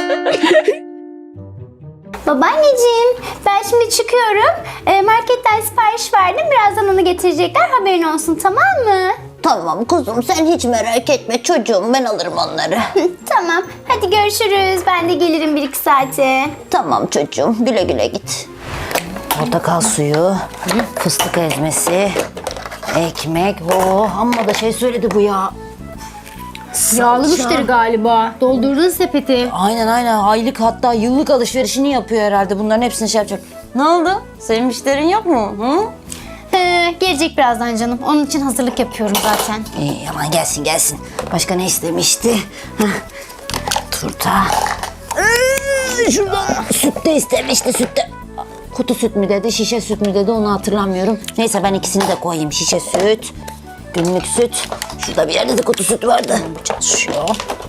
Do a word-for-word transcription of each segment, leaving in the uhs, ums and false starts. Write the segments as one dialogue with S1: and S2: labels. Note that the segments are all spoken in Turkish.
S1: Babaanneciğim, ben şimdi çıkıyorum. E, marketten sipariş verdim. Birazdan onu getirecekler. Haberin olsun, tamam mı?
S2: Tamam kuzum, sen hiç merak etme çocuğum, ben alırım onları.
S1: Tamam. Hadi görüşürüz. Ben de gelirim bir iki saate.
S2: Tamam çocuğum, güle güle git. Portakal suyu, fıstık ezmesi, ekmek. Oh, amma da şey söyledi bu ya.
S3: Yağlı müşteri galiba. Doldurdun sepeti.
S2: Aynen aynen, aylık hatta yıllık alışverişini yapıyor herhalde. Bunların hepsini şey yapacak. Ne oldu? Senin müşterin yok mu? Hı?
S1: Ee, gelecek birazdan canım. Onun için hazırlık yapıyorum zaten.
S2: İyi, aman gelsin gelsin. Başka ne istemişti? Heh. Turta. Ee, şuradan süt de istemişti, süt de. Kutu süt mü dedi, şişe süt mü dedi, onu hatırlamıyorum. Neyse ben ikisini de koyayım. Şişe süt, günlük süt. Şurada bir yerde de kutu süt vardı. Bu çalışıyor.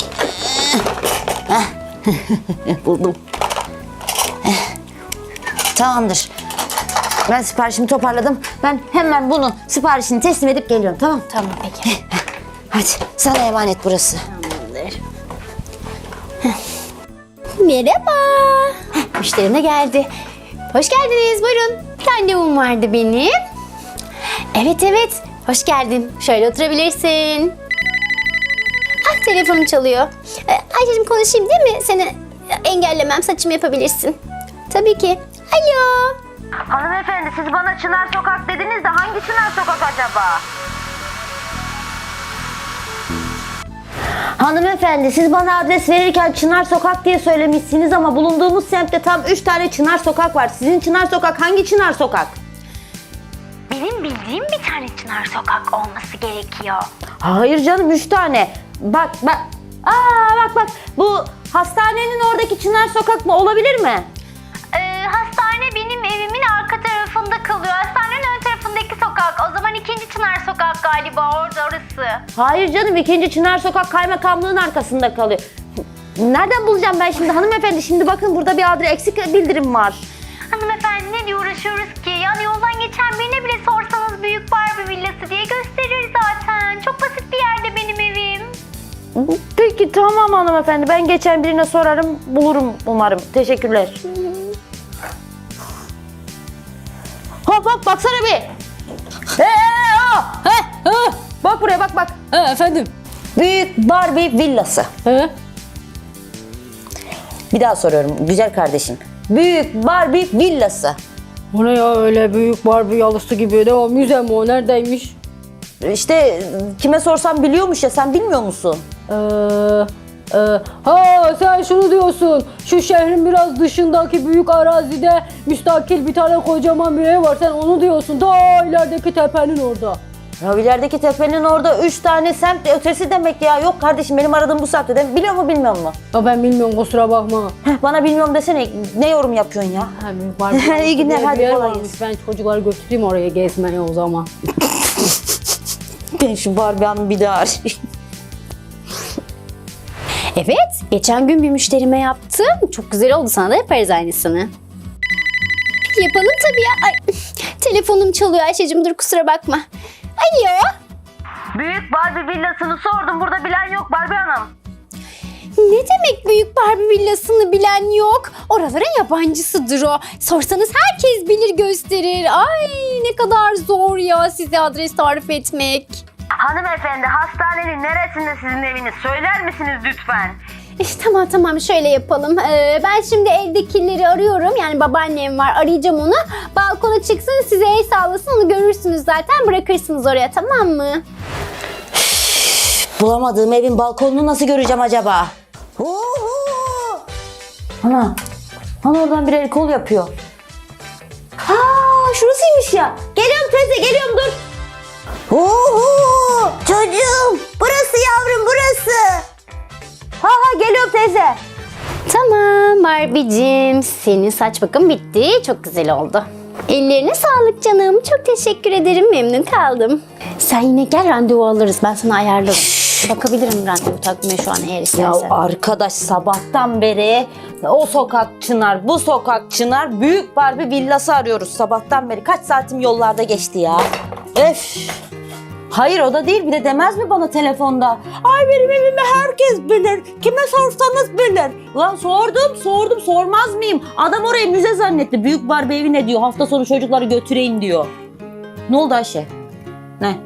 S2: Heh. Buldum. Heh. Tamamdır. Ben siparişimi toparladım. Ben hemen bunu siparişini teslim edip geliyorum, tamam?
S1: Tamam peki.
S2: Hadi sana emanet burası.
S1: Tamamdır. Merhaba. Heh, müşterim de geldi. Hoş geldiniz, buyurun. Bir randevum vardı benim. Evet evet, hoş geldin. Şöyle oturabilirsin. Ah, telefonum çalıyor. Ee, Ayşe'cim konuşayım değil mi? Seni engellemem, saçımı yapabilirsin. Tabii ki. Alo.
S2: Hanımefendi, siz bana Çınar Sokak dediniz de hangi Çınar Sokak acaba? Hanımefendi, siz bana adres verirken Çınar Sokak diye söylemişsiniz ama bulunduğumuz semtte tam üç tane Çınar Sokak var. Sizin Çınar Sokak hangi Çınar Sokak?
S1: Benim bildiğim bir tane Çınar Sokak olması gerekiyor.
S2: Hayır canım, üç tane. Bak bak. Aa bak bak. Bu hastanenin oradaki Çınar Sokak mı? Olabilir mi?
S1: Ee, hastane benim evimin arka tarafında kalıyor. Hastanenin ön tarafındaki sokak. O zaman ikinci Çınar Sokak galiba, orada orası.
S2: Hayır canım, ikinci Çınar Sokak kaymakamlığın arkasında kalıyor. Nereden bulacağım ben şimdi hanımefendi? Şimdi bakın burada bir adres eksik bildirim var.
S1: Hanımefendi ne diye uğraşıyoruz ki? Yani yoldan geçen birine bile sorsanız Büyük Barbie Villası diye gösterir zaten. Çok basit bir yerde benim evim.
S2: Peki tamam hanımefendi, ben geçen birine sorarım, bulurum umarım. Teşekkürler. Hop hop baksana bir. Hey, oh.
S3: He, he,
S2: Bak buraya, bak bak.
S3: he efendim.
S2: Büyük Barbie Villası.
S3: He.
S2: Bir daha soruyorum güzel kardeşim. Büyük Barbie Villası.
S3: O ne ya öyle büyük Barbie yalısı gibi? Ne o, müze mi o? Neredeymiş?
S2: İşte kime sorsam biliyormuş ya, sen bilmiyor musun?
S3: Ee, e, ha sen şunu diyorsun. Şu şehrin biraz dışındaki büyük arazide müstakil bir tane kocaman bir ev var. Sen onu diyorsun. Ta ilerideki tepenin orada.
S2: Ya ilerideki tepenin orada üç tane semt ötesi demek ya. Yok kardeşim, benim aradığım bu semtte de. Biliyor mu bilmiyor mu?
S3: Ya ben bilmiyorum, kusura bakma.
S2: Heh, bana bilmiyorum desene, ne yorum yapıyorsun ya?
S3: Ha, büyük Barbie
S2: İyi günler,
S3: diye bir
S2: hadi
S3: yer
S2: kolay
S3: varmış.
S2: gelsin.
S3: Ben çocukları götüreyim oraya gezmeye o zaman.
S2: Ben şu Barbie Hanım'ı bir daha arayayım.
S1: Evet, geçen gün bir müşterime yaptım. Çok güzel oldu, sana da yaparız aynısını. Yapalım tabii ya. Ay, telefonum çalıyor Ayşe'cim, dur kusura bakma. Alo.
S2: Büyük Barbie villasını sordum, burada bilen yok Barbie Hanım.
S1: Ne demek büyük Barbie villasını bilen yok? Oralara yabancısıdır o. Sorsanız herkes bilir, gösterir. Ay ne kadar zor ya size adres tarif etmek.
S2: Hanımefendi, hastanenin neresinde sizin eviniz? Söyler misiniz lütfen?
S1: İşte tamam tamam şöyle yapalım. Ee, ben şimdi evdekileri arıyorum. Yani babaannem var, arayacağım onu. Balkona çıksın, size el sağlasın, onu görürsünüz zaten. Bırakırsınız oraya, tamam mı?
S2: Bulamadığım evin balkonunu nasıl göreceğim acaba? Ana, ana oradan bir el kol yapıyor. Aa, şurasıymış ya. Geliyorum teyze, geliyorum, dur. Oho, çocuğum, burası yavrum, burası. Ha ha, geliyorum teyze.
S1: Tamam Barbie'cim, senin saç bakım bitti. Çok güzel oldu. Ellerine sağlık canım. Çok teşekkür ederim. Memnun kaldım. Sen yine gel, randevu alırız. Ben sana ayarlarım. Bakabilirim randevu takvime şu an eğer
S2: Ya
S1: istersen.
S2: arkadaş, sabahtan beri o sokak Çınar, bu sokak Çınar, Büyük Barbie Villası arıyoruz sabahtan beri. Kaç saatim yollarda geçti ya. Öf. Hayır o da değil, bir de demez mi bana telefonda? Ay benim evimi herkes bilir. Kime sorsanız bilir. Ulan sordum sordum sormaz mıyım? Adam orayı müze zannetti. Büyük Barbie evi ne diyor? Hafta sonu çocukları götüreyim diyor. Ne oldu Ayşe? Ne?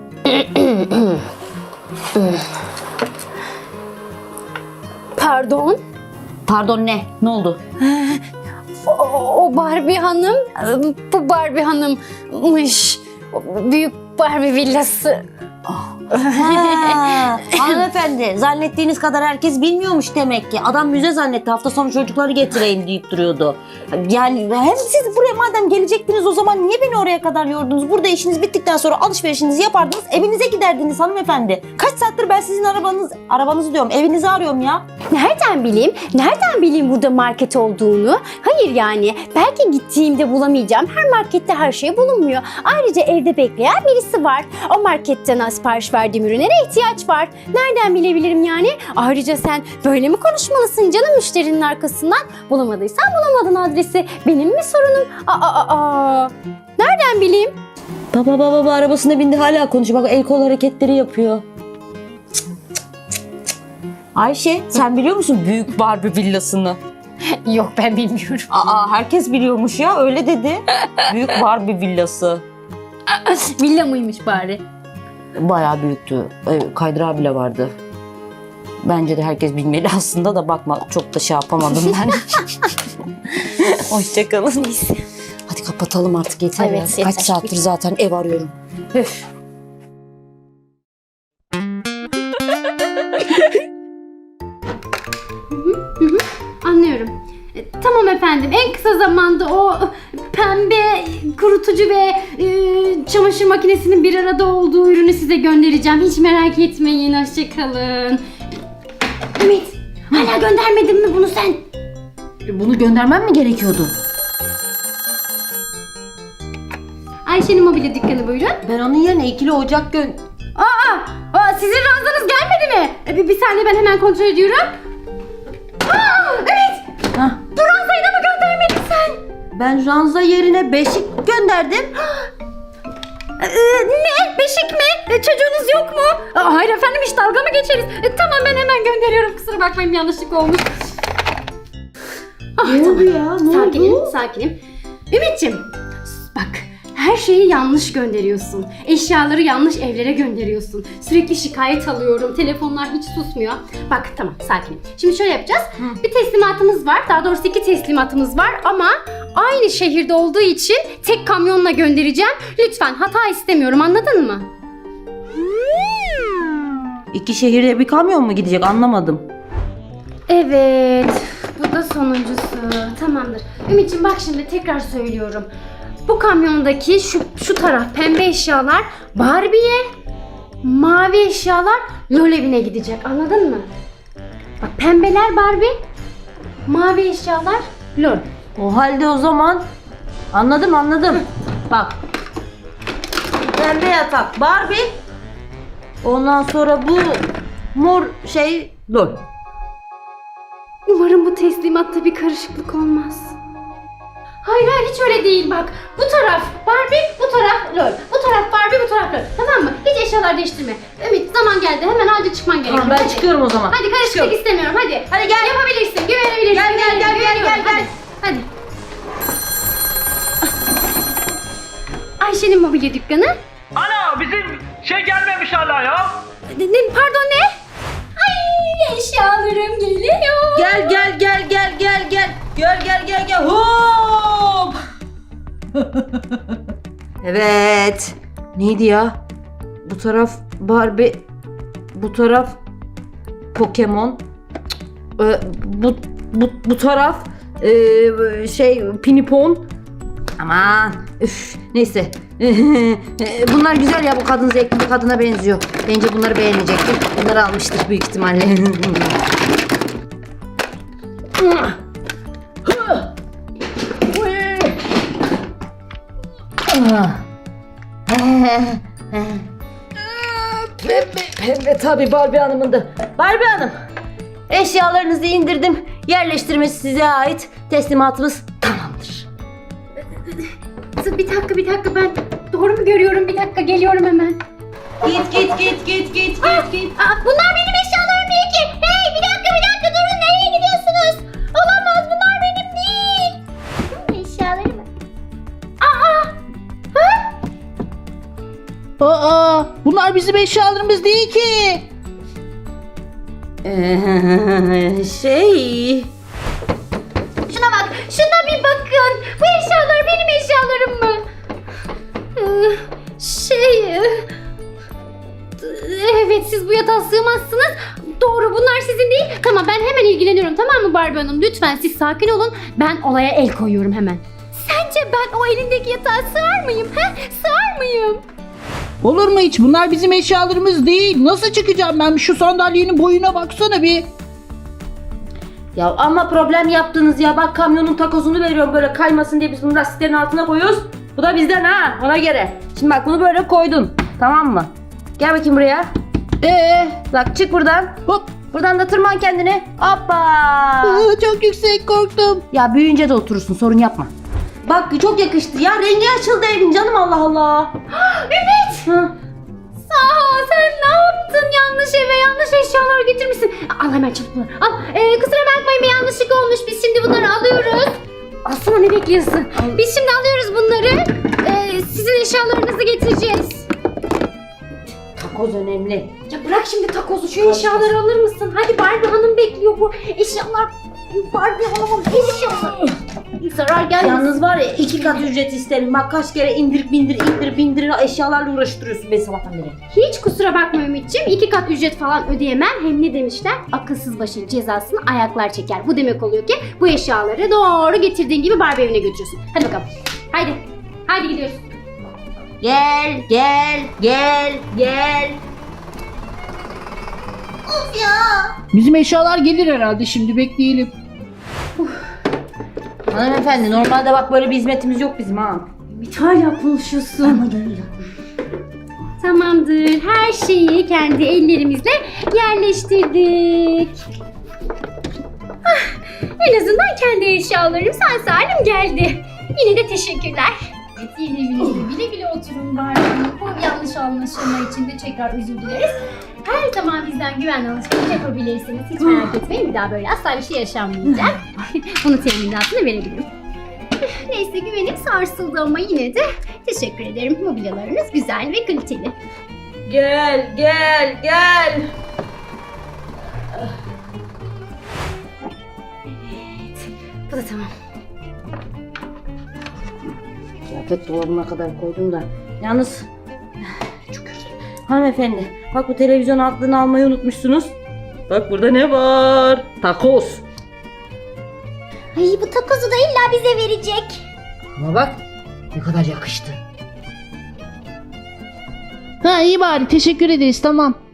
S1: Pardon.
S2: Pardon ne? Ne oldu?
S1: O, o Barbie hanım, bu Barbie hanımmış. O büyük Barbie villası.
S2: Ha, hanımefendi zannettiğiniz kadar herkes bilmiyormuş demek ki. Adam müze zannetti, hafta sonu çocukları getireyim deyip duruyordu. Yani hem siz buraya madem gelecektiniz o zaman niye beni oraya kadar yordunuz? Burada işiniz bittikten sonra alışverişinizi yapardınız, evinize giderdiniz hanımefendi. Kaç saattir ben sizin arabanız, arabanızı diyorum, evinizi arıyorum ya.
S1: Nereden bileyim? Nereden bileyim burada market olduğunu? Hayır yani. Belki gittiğimde bulamayacağım. Her markette her şey bulunmuyor. Ayrıca evde bekleyen birisi var. O marketten sipariş verdiğim ürünlere ihtiyaç var. Nereden bilebilirim yani? Ayrıca sen böyle mi konuşmalısın canım müşterinin arkasından? Bulamadıysan bulamadın adresi. Benim mi sorunum? Aa, aa, aa. Nereden bileyim?
S2: Baba baba baba arabasına bindi hala konuşuyor. Bak el kol hareketleri yapıyor. Ayşe sen biliyor musun büyük Barbie villasını?
S1: Yok ben bilmiyorum.
S2: Aa herkes biliyormuş ya öyle dedi. Büyük Barbie villası.
S1: Villa mıymış bari?
S2: Bayağı büyüktü. Ee, Kaydırağı bile vardı. Bence de herkes bilmeli aslında da bakma çok da şey yapamadım ben. Hoşçakalın.
S1: Neyse.
S2: Hadi kapatalım artık yeter
S1: Evet,
S2: ya.
S1: yeter.
S2: Kaç saattir zaten ev arıyorum. Üf.
S1: Anlıyorum. E, Tamam efendim. En kısa zamanda o pembe kurutucu ve e, çamaşır makinesinin bir arada olduğu ürünü size göndereceğim. Hiç merak etmeyin. Hoşçakalın. Ümit, hala göndermedin mi bunu sen?
S2: Bunu göndermem mi gerekiyordu?
S1: Ayşe'nin mobilya dükkanı buyurun.
S2: Ben onun yerine ikili ocak gön...
S1: Aa, aa sizin ranzanız gelmedi mi? E, bir, bir saniye ben hemen kontrol ediyorum. Aa, evet.
S2: Hah.
S1: Bu ranzayı da mı göndermedin sen?
S2: Ben ranza yerine beşik gönderdim.
S1: Ee, ne? Beşik mi? Ee, çocuğunuz yok mu? Aa, hayır efendim hiç dalga mı geçeriz? Ee, tamam ben hemen gönderiyorum. Kusura bakmayın yanlışlık olmuş. Ah,
S2: Ne oldu ya? Ne
S1: sakinim,
S2: oldu?
S1: sakinim. Ümit'ciğim bak her şeyi yanlış gönderiyorsun. Eşyaları yanlış evlere gönderiyorsun. Sürekli şikayet alıyorum. Telefonlar hiç susmuyor. Bak tamam sakinim. Şimdi şöyle yapacağız.
S2: Hı.
S1: Bir teslimatımız var. Daha doğrusu iki teslimatımız var ama aynı şehirde olduğu için tek kamyonla göndereceğim. Lütfen hata istemiyorum anladın mı?
S2: İki şehirde bir kamyon mu gidecek anlamadım.
S1: Evet. Bu da sonuncusu. Tamamdır. Ümit'ciğim bak şimdi tekrar söylüyorum. Bu kamyondaki şu, şu taraf pembe eşyalar Barbie'ye, mavi eşyalar LOL evine gidecek. Anladın mı? Bak pembeler Barbie, mavi eşyalar LOL.
S2: O halde o zaman anladım anladım. Bak. Pembe yatak Barbie. Ondan sonra bu mor şey LOL.
S1: Umarım bu teslimatta bir karışıklık olmaz. Hayır hayır hiç öyle değil bak. Bu taraf Barbie, bu taraf LOL. Bu taraf Barbie, bu taraf LOL. Tamam mı? Hiç eşyalar değiştirme. Ümit zaman geldi. Hemen acil çıkman gerekiyor.
S2: Tamam ben
S1: Hadi.
S2: çıkıyorum o zaman.
S1: Hadi karışıklık
S2: Çıkıyorum.
S1: istemiyorum. Hadi.
S2: Hadi gel.
S1: Yapabilirsin. Güvenebilirsin.
S2: Gel, gel, gel, gel,
S1: Güveniyorum.
S2: gel, gel.
S1: Hadi. Hadi. Ayşe'nin mobilya dükkanı.
S4: Ana bizim şey gelmemiş hala ya.
S1: Ne, ne- pardon ne? Ay eşyalarım geliyor.
S2: Gel gel gel gel gel gel. Gel gel gel gel. Hop. Evet. Neydi ya? Bu taraf Barbie. Bu taraf Pokemon. Ee, bu bu bu taraf ee, şey Pinipon. Aman üf neyse. Bunlar güzel ya bu kadın zevkli bir kadına benziyor. Bence bunları beğenecektir. Bunları almıştır büyük ihtimalle. Pembe, pembe tabii Barbie Hanım'ın da. Barbie Hanım, eşyalarınızı indirdim. Yerleştirmesi size ait. Teslimatımız tamamdır.
S1: Bir dakika bir dakika ben doğru mu görüyorum? Bir dakika geliyorum hemen.
S3: Git git git git git
S1: Aa,
S3: git git.
S1: aa, bunlar benim eşyalarım değil ki. Hey bir dakika bir dakika durun, nereye gidiyorsunuz? Olamaz, bunlar benim değil. Benim eşyalarım. Aa! Ha?
S5: Aa, bunlar bizim eşyalarımız değil ki.
S3: Ee, şey...
S1: Şuna bak, şuna bir bakın. Bu eşyalar benim eşyalarım mı? Ee, Şey... e, Evet, siz bu yatağa sığmazsınız. Doğru, bunlar sizin değil. Tamam, ben hemen ilgileniyorum, tamam mı Barbie Hanım? Lütfen siz sakin olun. Ben olaya el koyuyorum hemen. Sence ben o elindeki yatağa sığar mıyım? He? Sığar mıyım?
S5: Olur mu hiç? Bunlar bizim eşyalarımız değil. Nasıl çıkacağım ben? Şu sandalyenin boyuna baksana bir.
S3: Ya ama problem yaptınız ya. Bak kamyonun takozunu veriyorum böyle kaymasın diye biz bunu lastiklerin altına koyuyoruz. Bu da bizden ha, ona göre. Şimdi bak bunu böyle koydun. Tamam mı? Gel bakayım buraya.
S5: Ee,
S3: Bak çık buradan.
S5: hop.
S3: Buradan da tırman kendini. Hoppa.
S5: Aa, çok yüksek, korktum.
S3: Ya büyüyünce de oturursun, sorun yapma. Bak çok yakıştı ya, rengi açıldı evin canım, Allah Allah.
S1: Ümit!
S3: Hı.
S1: Aa, sen ne yaptın? Yanlış eve yanlış eşyalar getirmişsin. Al hemen çabuk bunları. Al. Ee, kusura bakmayın, bir yanlışlık olmuş. Biz şimdi bunları alıyoruz. Alsana, ne bekliyorsun? Biz şimdi alıyoruz bunları. Ee, sizin eşyalarınızı getireceğiz.
S3: Takoz önemli.
S1: Ya bırak şimdi takozu, şu eşyaları alır mısın? Hadi, Barbie Hanım bekliyor bu eşyalar. Barbie Hanım'ın eşyaları. Zarar gelmesin.
S3: Yalnız var ya, iki kat ücret isterim. Bak kaç kere indir bindir indir bindir eşyalarla uğraştırıyorsun beni sabahtan beri.
S1: Hiç kusura bakma Ümit'ciğim. İki kat ücret falan ödeyemem. Hem ne demişler? Akılsız başın cezasını ayaklar çeker. Bu demek oluyor ki bu eşyaları doğru getirdiğin gibi Barbie evine götürüyorsun. Hadi bakalım. Haydi. Haydi gidiyoruz.
S3: Gel gel gel gel.
S5: Bizim eşyalar gelir herhalde, şimdi bekleyelim.
S3: Hanımefendi, normalde bak böyle bir hizmetimiz yok bizim ha.
S1: Ümit, hala konuşuyorsun. Tamamdır. Her şeyi kendi ellerimizle yerleştirdik. Ah, en azından kendi eşyalarım sağ salim geldi. Yine de teşekkürler. Evet, yeni evinizde güle güle oturun Barbie Hanım. Bu yanlış anlaşılma için de tekrar özür dileriz. Her zaman bizden güvenli alışveriş yapabilirsiniz. Hiç merak etmeyin, bir daha böyle asla bir şey yaşanmayacak. Bunu teminatını verebilirim. Neyse, güvenim sarsıldı ama yine de teşekkür ederim. Mobilyalarınız güzel ve kaliteli.
S3: Gel gel gel.
S1: Bu da tamam.
S3: Kıyafet dolabına kadar koydum da. Yalnız çok özür dilerim. Hanımefendi, bak bu televizyon altını almayı unutmuşsunuz. Bak burada ne var? Takoz.
S1: Ay, bu takozu da illa bize verecek.
S3: Ama bak ne kadar yakıştı.
S5: Ha, iyi bari, teşekkür ederiz, tamam.